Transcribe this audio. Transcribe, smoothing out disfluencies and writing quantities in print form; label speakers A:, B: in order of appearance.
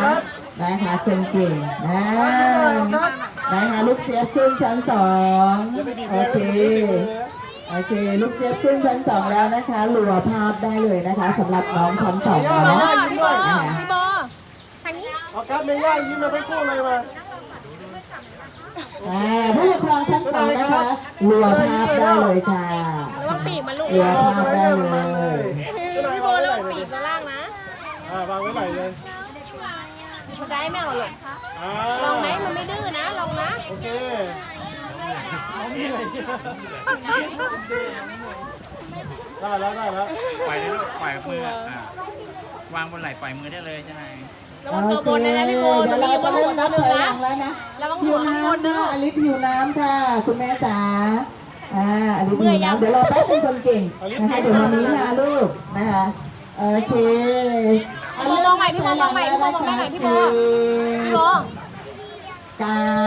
A: นะคะคนเก่งนะคะลูกเจี๊ยบขึ้นชั้น2โอเคลูกเจี๊ยบขึ้นชั้น2แล้วนะคะหลัวภาพได้เลยนะคะสำหรับน้องชั้น2เนาะนะคะ
B: พี่โบทางนี้
C: ออกัสเมย่ายิ้มมาทั้งคู่เลยมา
A: ผู้ปกครองชั้น2นะคะหลัวภาพได้เลยค่ะ
B: ระวังปีกมันลูก
A: หลัวภาพได้เลย
B: พี่โบระวังปีกตัวล่างนะ
C: วางไว้ไหนเลย
B: มันจะให้แม่เอาหลงลองไหมมันไม่ดื้อนะลองนะ
C: โอเคได้แล้ว
D: ปล่อยเลยลูกปล่อยมือวางบนไหล่ปล่อยมือได้เลยใช่ไหม
B: ระวังตัวบนนะพี่โบเดี๋ยวเราจะเริ่มนับถอยหลังแล้วนะระวังหัวข้างบนนะ
A: อลิศหิวน้ำค่ะคุณแม่จ๋าอลิศหิวน้ำเดี๋ยวเราแป๊บเป็นคนเก่งนะคะเดี๋ยวมานี้นะลูกนะคะโอเค
B: พี่โบมองใหม่พี่โบมองใหม่พี่โบมองใหม่พี่โบ
A: การ